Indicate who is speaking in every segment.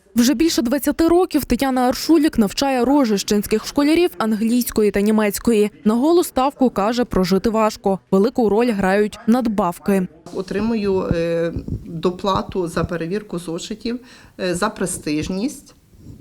Speaker 1: Вже більше 20 років Тетяна Аршулік навчає рожищенських школярів англійської та німецької. На голу ставку, каже, прожити важко. Велику роль грають надбавки.
Speaker 2: Отримую доплату за перевірку зошитів, за престижність,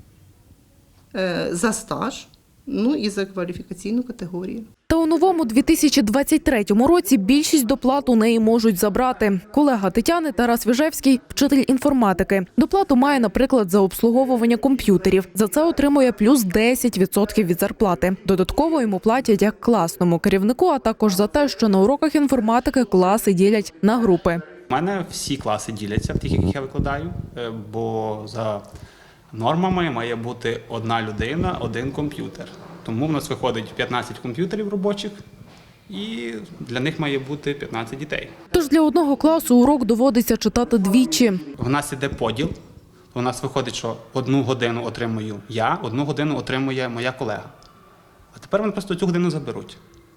Speaker 2: за стаж, ну і за кваліфікаційну категорію.
Speaker 1: Та у новому 2023 році більшість доплат у неї можуть забрати. Колега Тетяни Тарас Віжевський – вчитель інформатики. Доплату має, наприклад, за обслуговування комп'ютерів. За це отримує плюс 10% від зарплати. Додатково йому платять як класному керівнику, а також за те, що на уроках інформатики класи ділять на групи.
Speaker 3: У мене всі класи діляться в тих, яких я викладаю, бо за нормами має бути одна людина, один комп'ютер. Тому в нас виходить 15 комп'ютерів робочих, і для них має бути 15 дітей.
Speaker 1: Тож для одного класу урок доводиться читати двічі.
Speaker 3: У нас іде поділ. У нас виходить, що 1 годину отримую я, 1 годину отримує моя колега. А тепер вони просто цю годину заберуть.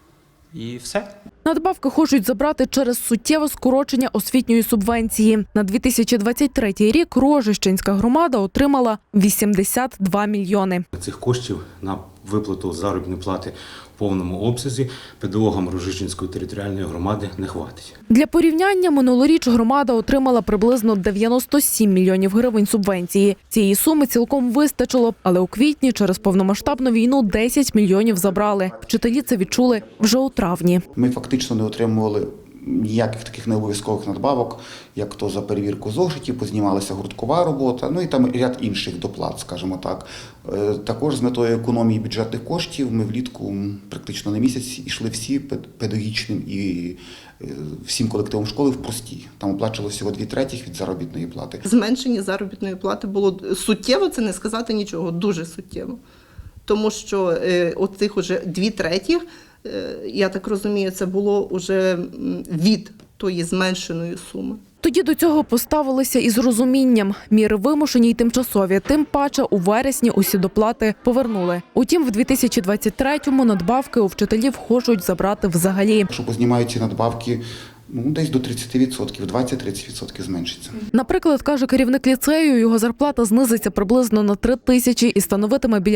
Speaker 3: І все.
Speaker 1: Надбавки хочуть забрати через суттєве скорочення освітньої субвенції. На 2023 рік Рожищенська громада отримала 82 мільйони.
Speaker 4: Цих коштів на виплату заробітної плати в повному обсязі педагогам Рожищенської територіальної громади не хватить.
Speaker 1: Для порівняння, минулоріч громада отримала приблизно 97 мільйонів гривень субвенції. Цієї суми цілком вистачило б, але у квітні через повномасштабну війну 10 мільйонів забрали. Вчителі це відчули вже у травні.
Speaker 5: Ми фактично не отримували ніяких таких необов'язкових надбавок, як то за перевірку зошитів, познімалася гурткова робота, ну і там ряд інших доплат, скажімо так. Також з метою економії бюджетних коштів ми влітку практично на місяць йшли всі педагогічним і всім колективом школи в простій. Там оплачувалося всього 2/3 від заробітної плати.
Speaker 2: Зменшення заробітної плати було суттєво, це не сказати нічого, дуже суттєво. Тому що оцих уже 2/3, я так розумію, це було вже від тої зменшеної суми.
Speaker 1: Тоді до цього поставилися із розумінням. Міри вимушені й тимчасові. Тим паче у вересні усі доплати повернули. Утім, в 2023-му надбавки у вчителів хочуть забрати взагалі.
Speaker 5: Якщо познімають ці надбавки, десь до 30%, 20-30% зменшиться.
Speaker 1: Наприклад, каже керівник ліцею, його зарплата знизиться приблизно на 3 тисячі і становитиме біля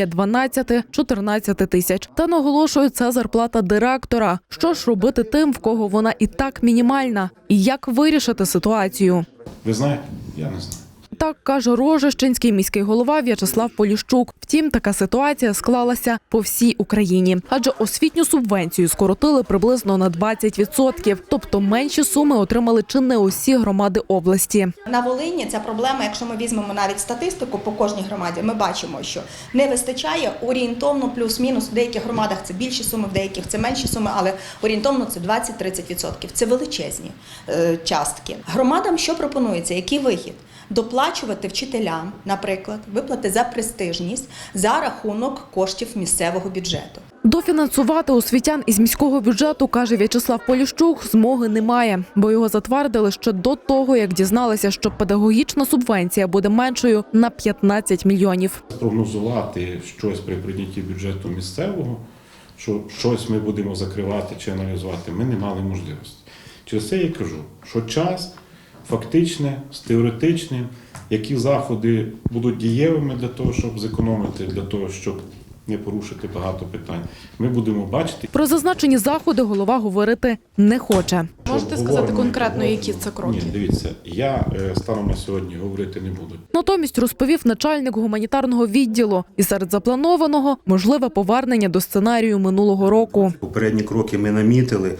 Speaker 1: 12-14 тисяч. Та наголошує, це зарплата директора. Що ж робити тим, в кого вона і так мінімальна? І як вирішити ситуацію?
Speaker 6: Ви знаєте? Я не знаю.
Speaker 1: Так каже Рожищенський міський голова В'ячеслав Поліщук. Втім, така ситуація склалася по всій Україні. Адже освітню субвенцію скоротили приблизно на 20%. Тобто менші суми отримали чи не усі громади області.
Speaker 7: На Волині ця проблема, якщо ми візьмемо навіть статистику по кожній громаді, ми бачимо, що не вистачає орієнтовно плюс-мінус. В деяких громадах це більші суми, в деяких це менші суми, але орієнтовно це 20-30%. Це величезні частки. Громадам що пропонується? Який вихід? Доплачувати вчителям, наприклад, виплати за престижність за рахунок коштів місцевого бюджету.
Speaker 1: Дофінансувати освітян із міського бюджету, каже В'ячеслав Поліщук, змоги немає, бо його затвердили ще до того, як дізналися, що педагогічна субвенція буде меншою на 15 мільйонів.
Speaker 6: Прогнозувати щось при прийнятті бюджету місцевого, що щось ми будемо закривати чи аналізувати, ми не мали можливості. Через це я кажу, що час фактичне, з теоретичним, які заходи будуть дієвими для того, щоб зекономити, для того, щоб не порушити багато питань. Ми будемо бачити.
Speaker 1: Про зазначені заходи голова говорити не хоче.
Speaker 8: Можете сказати конкретно, які це кроки?
Speaker 6: Ні, дивіться, я станом на сьогодні говорити не буду.
Speaker 1: Натомість розповів начальник гуманітарного відділу. І серед запланованого – можливе повернення до сценарію минулого року.
Speaker 4: Попередні кроки ми намітили.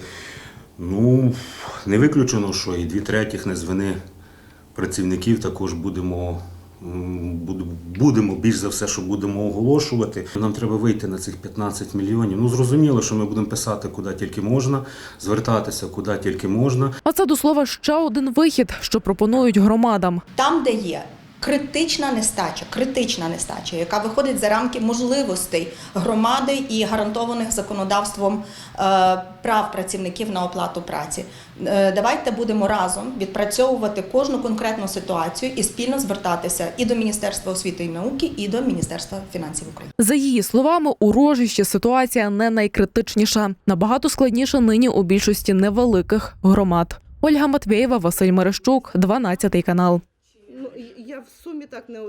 Speaker 4: Не виключено, що і 2/3 не з вини працівників також будемо більш за все, що будемо оголошувати. Нам треба вийти на цих 15 мільйонів. Зрозуміло, що ми будемо писати, куди тільки можна, звертатися, куди тільки можна.
Speaker 1: А це, до слова, ще один вихід, що пропонують громадам.
Speaker 7: Там, де є критична нестача, яка виходить за рамки можливостей громади і гарантованих законодавством прав працівників на оплату праці. Давайте будемо разом відпрацьовувати кожну конкретну ситуацію і спільно звертатися і до Міністерства освіти і науки, і до Міністерства фінансів України.
Speaker 1: За її словами, у Рожищі ситуація не найкритичніша. Набагато складніша нині у більшості невеликих громад. Ольга Матвєєва, Василь Мерещук, 12 канал.
Speaker 2: Я в сумі так не